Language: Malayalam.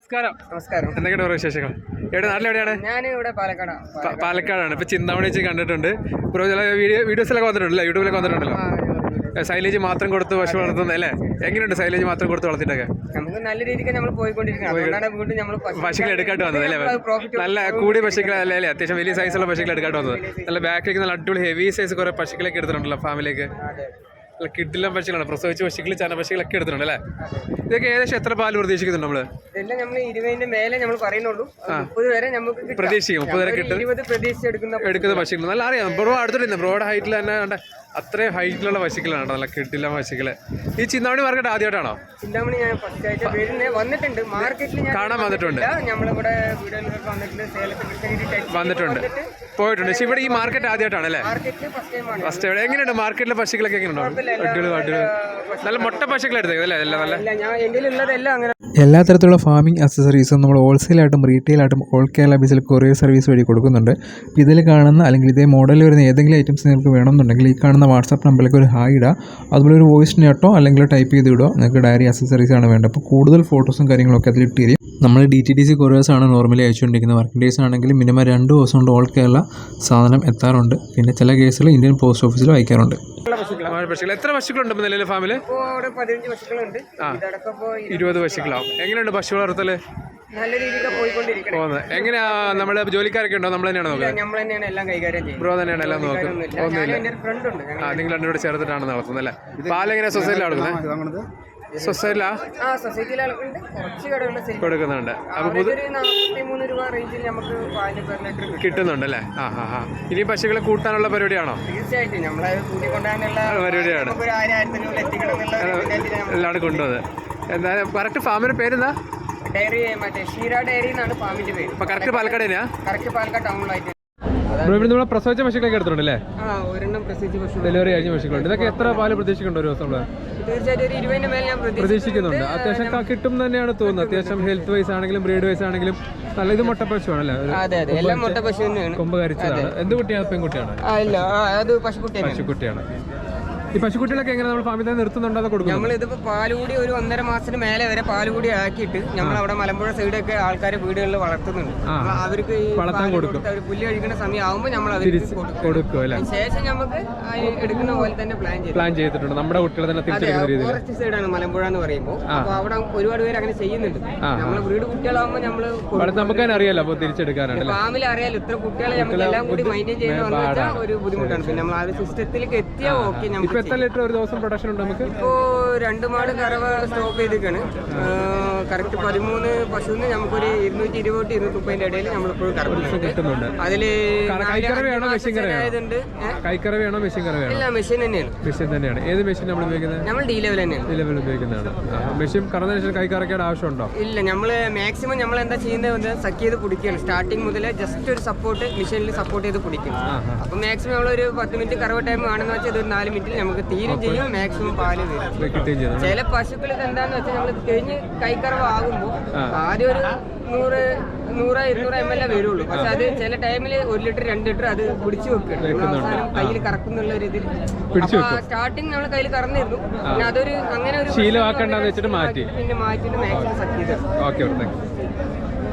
നമസ്കാരം. എന്തൊക്കെയാണ് ഓരോ വിശേഷങ്ങൾ? നാട്ടിലെവിടെയാണ്? ഞാനിവിടെ പാലക്കാടാണ്. ഇപ്പൊ ചിന്താമണി വെച്ച് കണ്ടിട്ടുണ്ട്. ചില വീഡിയോസിലൊക്കെ വന്നിട്ടുണ്ടല്ലോ, യൂട്യൂബിലൊക്കെ വന്നിട്ടുണ്ടല്ലോ. സൈലേജ് മാത്രം കൊടുത്ത് പശു വളർത്തുന്നത് അല്ലേ? എങ്ങനെയുണ്ട് സൈലേജ് മാത്രം കൊടുത്ത് വളർത്തിട്ടൊക്കെ? നമുക്ക് നല്ല രീതിക്ക് നമ്മൾ പോയിക്കൊണ്ടിരിക്കുന്നത്. പശുക്കൾ എടുക്കാട്ട് വന്നത് അല്ലേ? നല്ല കൂടിയ പശുക്കളല്ലേ അല്ലേ? അത്യാവശ്യം വലിയ സൈസുള്ള പശുക്കൾ എടുക്കാട്ട് വന്നത്. നല്ല ബാക്കിലേക്ക് നല്ല അടിപൊളി ഹെവി സൈസ് കുറെ പശുക്കളൊക്കെ എടുത്തിട്ടുണ്ടല്ലോ ഫാമിലേക്ക്. നല്ല കിഡിലും പശുക്കളാണ്, പ്രസവിച്ച പശുക്കൾ ചന പശുക്കളൊക്കെ എടുത്തിട്ടുണ്ട് അല്ലേ? ഇതൊക്കെ ഏകദേശം എത്ര പാല് പ്രതീക്ഷിക്കുന്നുണ്ട് നമ്മള്? ഇതെല്ലാം നമ്മൾ 20 മേലെ നമ്മൾ പറയുന്നുള്ളൂ. 30 വരെ നമുക്ക് പ്രതീക്ഷിക്കും. 30 വരെ കിട്ടും. 20 പ്രതീക്ഷിച്ചെടുക്കുന്ന പശുക്കൾ നല്ല അറിയാം. ബ്രോ അടുത്തിട്ടുണ്ട്, ബ്രോഡ് ഹൈറ്റിൽ തന്നെ അത്രയും ഹൈറ്റിലുള്ള പശുക്കളാണ്, നല്ല കിട്ടില്ല പശുക്കള്. ഈ ചിന്താമണി മാർക്കറ്റ് ആദ്യമായിട്ടാണോ? ചിന്താമണി ഞാൻ ഫസ്റ്റ് ആയിട്ട് വന്നിട്ടുണ്ട്, മാർക്കറ്റിൽ കാണാൻ വന്നിട്ടുണ്ട്. നമ്മളിവിടെ വന്നിട്ടുണ്ട്, പോയിട്ടുണ്ട്. പക്ഷെ ഇവിടെ ഈ മാർക്കറ്റ് ആദ്യമായിട്ടാണ് അല്ലേ? ഫസ്റ്റ് എവിടെ? എങ്ങനെയുണ്ട് മാർക്കറ്റിലെ പശുക്കളൊക്കെ? എങ്ങനെയുണ്ടോ? നല്ല മുട്ട പശുക്കൾ എടുത്തേക്കും അല്ലേ? എല്ലാ തരത്തിലുള്ള ഫാമിംഗ് അക്സസറീസും നമ്മൾ ഹോൾസെയിലായിട്ടും റീറ്റെയിലായിട്ടും ഓൾ കേരള ബേസിൽ കൊറിയർ സർവീസ് വഴി കൊടുക്കുന്നുണ്ട്. ഇതിൽ കാണുന്ന അല്ലെങ്കിൽ ഇതേ മോഡലിൽ വരുന്ന ഏതെങ്കിലും ഐറ്റംസ് നിങ്ങൾക്ക് വേണമെന്നുണ്ടെങ്കിൽ ഈ കാണുന്ന വാട്സാപ്പ് നമ്പറിലേക്ക് ഒരു ഹായ് ഇടുക. അതുപോലെ ഒരു വോയിസ് നോട്ടോ അല്ലെങ്കിൽ ടൈപ്പ് ചെയ്ത് ഇടുക. നിങ്ങൾക്ക് ഡയറി അക്സസറീസ് ആണ് വേണ്ടത്. അപ്പോൾ കൂടുതൽ ഫോട്ടോസും കാര്യങ്ങളൊക്കെ അതിൽ ഇട്ട് തരും. നമ്മൾ DTDC കൊറിയേഴ്സ് ആണ് നോർമലി അയച്ചുകൊണ്ടിരിക്കുന്നത്. വർക്കിംഗ് ഡേയ്സ് ആണെങ്കിൽ മിനിമം 2 ദിവസം കൊണ്ട് ഓൾ കേരള സാധനം എത്താറുണ്ട്. പിന്നെ ചില കേസുകൾ ഇന്ത്യൻ പോസ്റ്റ് ഓഫീസിലും അയക്കാറുണ്ട്. എത്ര പശുക്കളുണ്ട് നിലവിലെ ഫാമില്? 15 പശുക്കളുണ്ട്. 20 പശുക്കളാവും. എങ്ങനെയുണ്ട് പശു വളർത്തല്? നല്ല രീതിയിൽ പോയിക്കൊണ്ടിരിക്കുന്നത്. എങ്ങനെയാ നമ്മള് ജോലിക്കാരൊക്കെ ഉണ്ടോ? നമ്മൾ തന്നെയാണ് നോക്കുന്നത്? നമ്മൾ തന്നെയാണ് എല്ലാം കൈകാര്യം ചെയ്യുന്നത്. ബ്രോ തന്നെയാണ് എല്ലാം നോക്കുന്നത്? നിങ്ങൾ രണ്ടുകൂടെ ചേർത്തിട്ടാണ് നടത്തുന്നത് അല്ലേ? പാലെങ്ങനെ സൊസൈറ്റിയിലാണ് കൊടുക്കുന്നത്? സൊസൈറ്റിയിലാ കൊടുക്കുന്നുണ്ട്. അപ്പൊ 43 രൂപ റേഞ്ചിൽ നമുക്ക് കിട്ടുന്നുണ്ട് അല്ലേ? ഇനി പശുക്കളെ കൂട്ടാനുള്ള പരിപാടിയാണോ? തീർച്ചയായിട്ടും നമ്മളെ കൂട്ടിക്കൊണ്ടാനുള്ള പരിപാടിയാണ് എല്ലാം കൊണ്ടുവന്നത്. എന്താ കറക്റ്റ് ഫാമിന്റെ പേരെന്താ? ഡയറി മറ്റേ ഷീര ഡയറി എന്നാണ് ഫാമിന്റെ പേര്. കറക്റ്റ് പാലക്കാട് തന്നെയാ? കറക്റ്റ് പാലക്കാട് ടൗണിലായിട്ട്. ഇവിടെ പ്രസവിച്ച പശുക്കളൊക്കെ എടുത്തിട്ടുണ്ടല്ലേ? ഒരെണ്ണം പ്രസവിച്ച പശു, ഡെലിവറി കഴിഞ്ഞ പശുക്കളുണ്ട്. ഇതൊക്കെ എത്ര പാല് പ്രതീക്ഷിക്കുന്നുണ്ട് ഒരു ദിവസം? തീർച്ചയായിട്ടും ഒരു 20 മേലെ ഞാൻ പ്രതീക്ഷിക്കുന്നുണ്ട്. അത്യാവശ്യം കിട്ടും തന്നെയാണ് തോന്നുന്നത്. അത്യാവശ്യം ഹെൽത്ത് വൈസ് ആണെങ്കിലും ബ്രീഡ് വൈസ് ആണെങ്കിലും നല്ല. ഇത് മുട്ട പശുവാണല്ലേ? എല്ലാം മുട്ട പശു തന്നെയാണ്. കൊമ്പ് കരിച്ചതാണ്. എന്ത് കുട്ടിയാണ്? പെൺകുട്ടിയാണ്? പശുക്കുട്ടിയാണ്. ഈ പശുക്കുട്ടികളൊക്കെ എങ്ങനെ നമ്മൾ ഫാമിൽ തന്നെ നിർത്തുന്നുണ്ടോ? അത് കൊടുക്കും. നമ്മളിതിപ്പോ പാലുകൂടി ഒരു 1.5 മാസത്തിന് മേലെ വരെ പാലുകൂടി ആക്കിയിട്ട് നമ്മൾ അവിടെ മലമ്പുഴ സൈഡൊക്കെ ആൾക്കാർ വീടുകളിൽ വളർത്തുന്നുണ്ട്. അവർക്ക് വളർത്താൻ കൊടുക്കും. പുല്ല് കഴിക്കുന്ന സമയം ആവുമ്പോൾ നമ്മൾ കൊടുക്കും അല്ലേ? ശേഷം നമുക്ക് എടുക്കുന്ന പോലെ തന്നെ പ്ലാൻ ചെയ്തിട്ടുണ്ട്. നമ്മുടെ കുട്ടികളെ തന്നെ തിരിച്ചെടുക്കുന്ന രീതിയിൽ. ഫോറസ്റ്റ് സൈഡാണ് മലമ്പുഴ എന്ന് പറയുമ്പോൾ. അപ്പൊ അവിടെ ഒരുപാട് പേര് അങ്ങനെ ചെയ്യുന്നുണ്ട്. നമ്മളെ വീട് കുട്ടികളാകുമ്പോൾ നമുക്ക് തന്നെ അറിയാലോ. അപ്പൊ തിരിച്ചെടുക്കാനാണ് ഫാമിലി അറിയാലോ. ഇത്ര കുട്ടികളെ നമുക്ക് എല്ലാം കൂടി മെയിൻറ്റെയിൻ ചെയ്യുന്ന ഒരു ബുദ്ധിമുട്ടാണ്. പിന്നെ നമ്മൾ ആ ഒരു സിസ്റ്റത്തിലേക്ക് എത്തിയാൽ ഓക്കെ. നമുക്ക് എത്ര ലിറ്റർ ഒരു ദിവസം പ്രൊഡക്ഷൻ ഉണ്ട്? നമുക്ക് ഇപ്പോ 2 മാട് കറവ സ്റ്റോപ്പ് ചെയ്തിരിക്കാണ്. കറക്റ്റ് 13 പശുവിന് നമുക്കൊരു 220-230 ഇടയിൽ നമ്മളിപ്പോൾ കിട്ടുന്നുണ്ട്. അതില് കൈക്കറവയാണോ മെഷീൻ കറവയാണോ? ഇല്ല, മെഷീൻ തന്നെയാണ്. ഏത് മെഷീൻ നമ്മൾ ഉപയോഗിക്കുന്നത്? നമ്മൾ ഡി ലെവൽ തന്നെയാണ്. ഉപയോഗിക്കുന്നതാണ്. മെഷീൻ കറന്നതിന് ശേഷം കൈക്കറക്കേണ്ട ആവശ്യമുണ്ടോ? ഇല്ല, നമ്മള് മാക്സിമം നമ്മൾ എന്താ ചെയ്യുന്നത് സക്ക് ചെയ്ത് പിടിക്കുകയാണ്. സ്റ്റാർട്ടിങ് മുതലേ ജസ്റ്റ് ഒരു സപ്പോർട്ട് മെഷീനിൽ സപ്പോർട്ട് ചെയ്ത് പിടിക്കും. അപ്പൊ മാക്സിമം നമ്മളൊരു 10 മിനിറ്റ് കറവ ടൈം ആണെന്ന് വെച്ചാൽ ഒരു 4 മിനിറ്റിൽ നമുക്ക് തീരും ചെയ്യും. മാക്സിമം പാല് വരും. ചില പശുക്കൾ എന്താന്ന് വെച്ചാൽ നമ്മൾ കഴിഞ്ഞ് കൈക്കറവ് ആകുമ്പോൾ ആദ്യം ഒരു 100-200 ml വരുള്ളൂ. പക്ഷെ അത് ചില ടൈമിൽ 1 ലിറ്റർ 2 ലിറ്റർ അത് പിടിച്ചു വെക്കണം. കയ്യിൽ കറക്കുന്നുള്ള ഒരു ഇതിൽ സ്റ്റാർട്ടിങ് നമ്മൾ കയ്യിൽ കറന്നിരുന്നു. പിന്നെ അതൊരു അങ്ങനെ ഒരു ശീലമാക്കണ്ടെന്ന് വെച്ചിട്ട് പിന്നെ മാറ്റിയിട്ട് മാക്സിമം സക്ക് ചെയ്ത്.